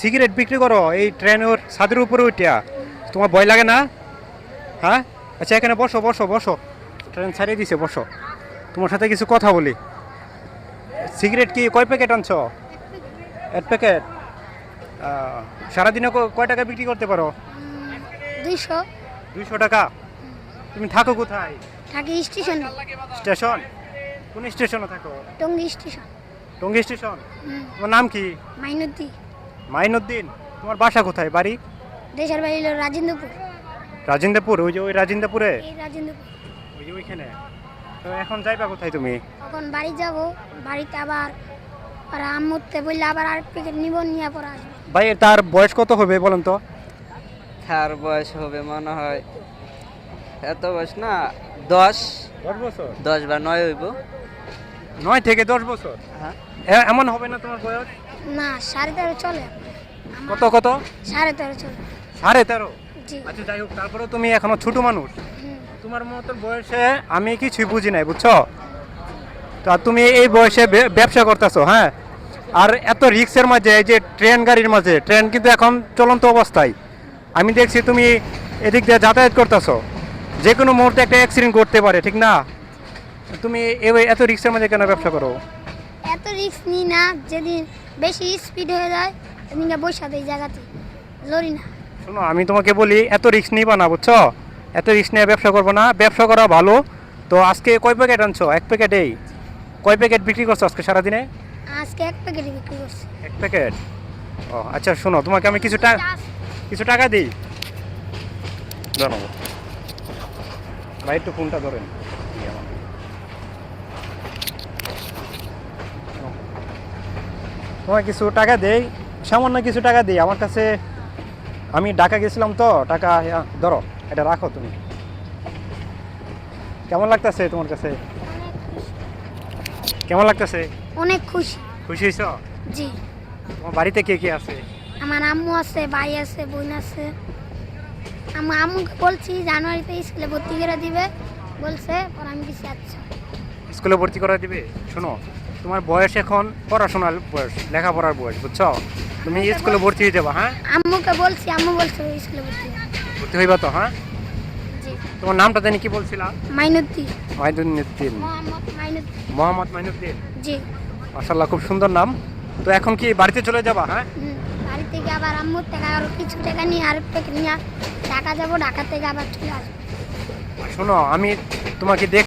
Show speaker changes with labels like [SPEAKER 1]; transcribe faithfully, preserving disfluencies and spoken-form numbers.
[SPEAKER 1] Cigarette বিক্রি করো এই ট্রেনের ছাদের উপরে উঠিয়া? তোমার ভয় লাগে না? হ্যাঁ, আচ্ছা এখানে বসো বসো বসো, ট্রেন ছাড়িয়ে দিছে, বসো, তোমার সাথে কিছু কথা বলি। সিগারেট কি কয় প্যাকেট আনছো? এক প্যাকেট। সারাদিনে ক- কয় টাকা বিক্রি করতে পারো?
[SPEAKER 2] দুইশো।
[SPEAKER 1] দুইশো টাকা। তুমি থাকো কোথায়?
[SPEAKER 2] থাকি স্টেশন,
[SPEAKER 1] স্টেশন? কোন স্টেশনে থাকো?
[SPEAKER 2] টঙ্গী স্টেশন।
[SPEAKER 1] টঙ্গী স্টেশন। তোমার নাম কি?
[SPEAKER 2] মাইনুদ্দি।
[SPEAKER 1] মাইনুদ্দিন। তোমার বাসা কোথায়, বাড়ি?
[SPEAKER 2] দেশের বাড়ি হলো রাজেন্দ্রপুর।
[SPEAKER 1] রাজেন্দ্রপুর? ওই যে ওই রাজেন্দ্রপুরে,
[SPEAKER 2] এই রাজেন্দ্রপুর।
[SPEAKER 1] ওই যে ওইখানে। তো এখন যাইবা কোথায় তুমি?
[SPEAKER 2] তখন বাড়ি যাব, বাড়িতে আবার আর আম্মুতে বললে আবার আরেক প্যাকেট নিব, নিয়ে পরে আসবো।
[SPEAKER 1] ভাই তার বয়স কত হবে বলেন তো?
[SPEAKER 3] তার বয়স হবে মনে হয় এত বয়স না, দশ
[SPEAKER 1] দশ বছর।
[SPEAKER 3] দশ বা নয় হইব।
[SPEAKER 1] নয় থেকে দশ বছর?
[SPEAKER 3] হ্যাঁ,
[SPEAKER 1] এ- এমন হবে না তোমার বয়স?
[SPEAKER 2] না, সাড়ে তেরো চলে। আমার
[SPEAKER 1] কত কত?
[SPEAKER 2] সাড়ে তেরো চলে।
[SPEAKER 1] সাড়ে তেরো?
[SPEAKER 2] জি।
[SPEAKER 1] আচ্ছা যাই হোক, তারপরে তুমি এখনো ছোট মানুষ।
[SPEAKER 2] হুম।
[SPEAKER 1] তোমার মতো বয়সে আমি কিছুই বুঝি নাই, বুঝছো? তা তুমি এই বয়সে বে- ব্যবসা করতেছো, হ্যাঁ? আর এত রিক্সের মাঝে, এই যে ট্রেন গাড়ির মাঝে, ট্রেন কিন্তু এখন চলন্ত অবস্থায়, আমি দেখছি তুমি এদিক দিয়ে যাতায়াত করতেছো, যে কোনো মুহূর্তে একটা অ্যাক্সিডেন্ট করতে পারে, ঠিক না? তুমি এ- এত রিক্সের মাঝে কেন ব্যবসা করো?
[SPEAKER 2] এত রিস্ক নিই না, যেদিন বেশি স্পিড হয়ে যায় সেদিনকে বৈশা দেয় জায়গাতে, লড়ি না।
[SPEAKER 1] শোনো, আমি তোমাকে বলি এত রিস্ক নিবা না, বুঝছো? এত রিস্ক নিয়ে ব্যবসা করবো না, ব্যবসা করা ভালো। তো আজকে কয় প্যাকেট আনছো? এক প্যাকেটেই? কয় প্যাকেট বিক্রি করছো আজকে সারাদিনে?
[SPEAKER 2] আজকে এক প্যাকেট বিক্রি করছি।
[SPEAKER 1] এক প্যাকেট। ও আচ্ছা, শোনো, তোমাকে আমি কিছু টাকা কিছু টাকা দিই, জানাবো। ভাই একটু ফোনটা ধরেন। তোমায় কিছু টাকা দেই, সামান্য কিছু টাকা দিই আমার কাছে। আমি ঢাকা গেছিলাম তো, টাকা ইয়া, ধরো, এটা রাখো তুমি। কেমন লাগতেছে তোমার কাছে? কেমন লাগতেছে?
[SPEAKER 2] অনেক খুশি।
[SPEAKER 1] খুশি হয়েছ?
[SPEAKER 2] জি।
[SPEAKER 1] তোমার বাড়িতে কে কে আছে?
[SPEAKER 2] আমার আম্মু আছে, ভাই আছে, বোন আছে। আমার আম্মুকে বলছি জানুয়ারিতে স্কুলে ভর্তি করে দিবে, বলছে, পর আমি কিছু আচ্ছা।
[SPEAKER 1] স্কুলে ভর্তি করা দিবে? শোনো, তোমার বয়স এখন পড়াশোনার বয়স, লেখাপড়ার বয়স, বুঝছো? তুমি স্কুলে ভর্তি হয়ে যাবা, হ্যাঁ?
[SPEAKER 2] আম্মুকে বলছি, আম্মু বলছে স্কুলে ভর্তি হবে।
[SPEAKER 1] ভর্তি হইবা তো, হ্যাঁ?
[SPEAKER 2] জি।
[SPEAKER 1] তোমার নামটা জানি কি বলছিলা?
[SPEAKER 2] মাইনুদ্দি।
[SPEAKER 1] মাইনুদ্দিন।
[SPEAKER 2] মোহাম্মদ মাইনুদ্দি।
[SPEAKER 1] মোহাম্মদ মাইনুদ্দিন।
[SPEAKER 2] জি।
[SPEAKER 1] মাশাআল্লাহ, খুব সুন্দর নাম। তো এখন কি বাড়িতে চলে যাবা, হ্যাঁ?
[SPEAKER 2] হুম। বাড়ি থেকে আবার আম্মুর থেকে আরো কিছু টাকা নিয়ে আর প্যাকেট নিয়ে ঢাকা যাবো, ঢাকা থেকে আবার চলে আসবো।
[SPEAKER 1] শোনো, আমি তোমাকে দেখ